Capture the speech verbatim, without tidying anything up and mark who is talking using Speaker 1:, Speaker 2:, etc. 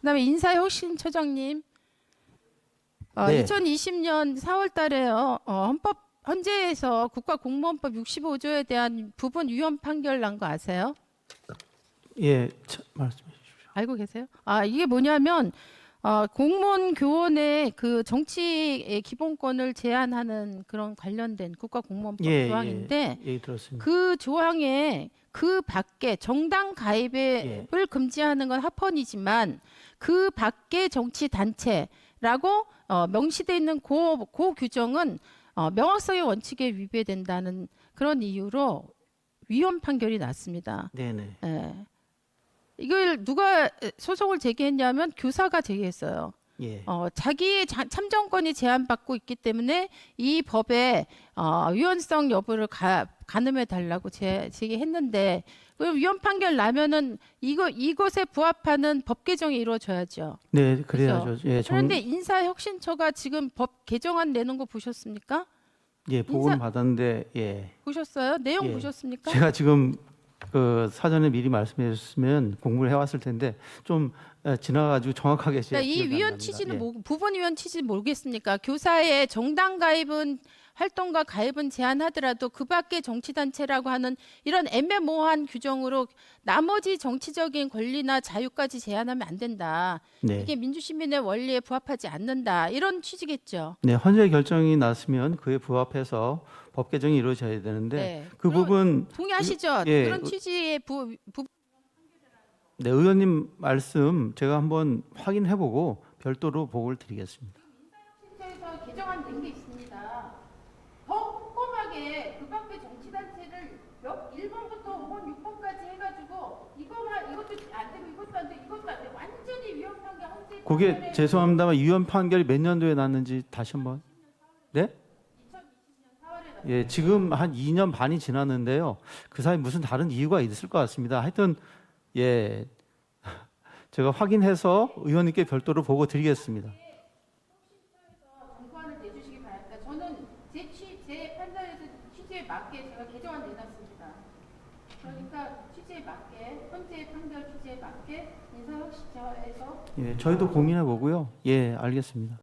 Speaker 1: 그다음에 인사혁신처장님, 어,
Speaker 2: 네.
Speaker 1: 이천이십 년 사월 달에요. 어, 헌법 헌재에서 국가공무원법 육십오 조에 대한 부분 위헌 판결 난 거 아세요?
Speaker 2: 예, 차, 말씀해 주십시오.
Speaker 1: 알고 계세요? 아, 이게 뭐냐면 어, 공무원 교원의 그 정치의 기본권을 제한하는 그런 관련된 국가공무원법
Speaker 2: 예,
Speaker 1: 조항인데
Speaker 2: 예, 예, 들었습니다.
Speaker 1: 그 조항에 그 밖에 정당 가입을
Speaker 2: 예.
Speaker 1: 금지하는 건 합헌이지만 그 밖에 정치 단체라고 어, 명시되어 있는 고, 고 규정은 어, 명확성의 원칙에 위배된다는 그런 이유로 위헌 판결이 났습니다.
Speaker 2: 네네.
Speaker 1: 예. 이걸 누가 소송을 제기했냐면 교사가 제기했어요.
Speaker 2: 예.
Speaker 1: 어, 자기의 자, 참정권이 제한받고 있기 때문에 이 법의 어, 위헌성 여부를 가, 가늠해 달라고 제, 제기했는데 그럼 위헌 판결 나면은 이거 이것에 부합하는 법 개정이 이루어져야죠.
Speaker 2: 네, 그래야죠. 예, 정,
Speaker 1: 그런데 인사혁신처가 지금 법 개정안 내는 거 보셨습니까?
Speaker 2: 예, 보고는
Speaker 1: 인사-
Speaker 2: 받았는데 예.
Speaker 1: 보셨어요? 내용
Speaker 2: 예.
Speaker 1: 보셨습니까?
Speaker 2: 제가 지금 그 사전에 미리 말씀해 주셨으면 공부를 해왔을 텐데 좀 에, 지나가지고 정확하게 제
Speaker 1: 그러니까 이
Speaker 2: 기억이 안
Speaker 1: 위헌
Speaker 2: 납니다.
Speaker 1: 취지는
Speaker 2: 예.
Speaker 1: 뭐, 부분 위헌 취지 모르겠습니까? 교사의 정당 가입은 활동과 가입은 제한하더라도 그 밖에 정치단체라고 하는 이런 애매모호한 규정으로 나머지 정치적인 권리나 자유까지 제한하면 안 된다.
Speaker 2: 네.
Speaker 1: 이게 민주시민의 원리에 부합하지 않는다. 이런 취지겠죠.
Speaker 2: 네, 헌재 결정이 났으면 그에 부합해서 법 개정이 이루어져야 되는데
Speaker 1: 네.
Speaker 2: 그
Speaker 1: 그리고
Speaker 2: 부분
Speaker 1: 동의하시죠?
Speaker 2: 예,
Speaker 1: 그런 취지의 부, 부
Speaker 2: 네, 의원님 말씀 제가 한번 확인해 보고 별도로 보고를 드리겠습니다.
Speaker 1: 인사혁신처에서 개정안 낸 게 있습니다. 더 꼼꼼하게 그 밖에 정치단체를 몇 일 번부터 오 번, 육 번까지 해가지고 이거만 이것도 안 되고 이것도 안 되고 이것도 안 되고 완전히 위헌한 게 헌재.
Speaker 2: 그게
Speaker 1: 판결에
Speaker 2: 죄송합니다만 위헌 판결이 몇 년도에 났는지 다시 한번. 네?
Speaker 1: 이천이십 년 사월에 났.
Speaker 2: 예, 지금 한 이 년 반이 지났는데요. 그 사이 무슨 다른 이유가 있을 것 같습니다. 하여튼 예, 제가 확인해서 의원님께 별도로 보고 드리겠습니다.
Speaker 1: 정부안을 내주시기 바랍니다. 저는 제, 취, 제 판단에서 취지에 맞게 제가 개정안 내놨습니다. 그러니까 취지에 맞게 현재 판결 취지에 맞게 인사혁신처에서
Speaker 2: 예, 저희도 고민해 보고요. 예, 알겠습니다.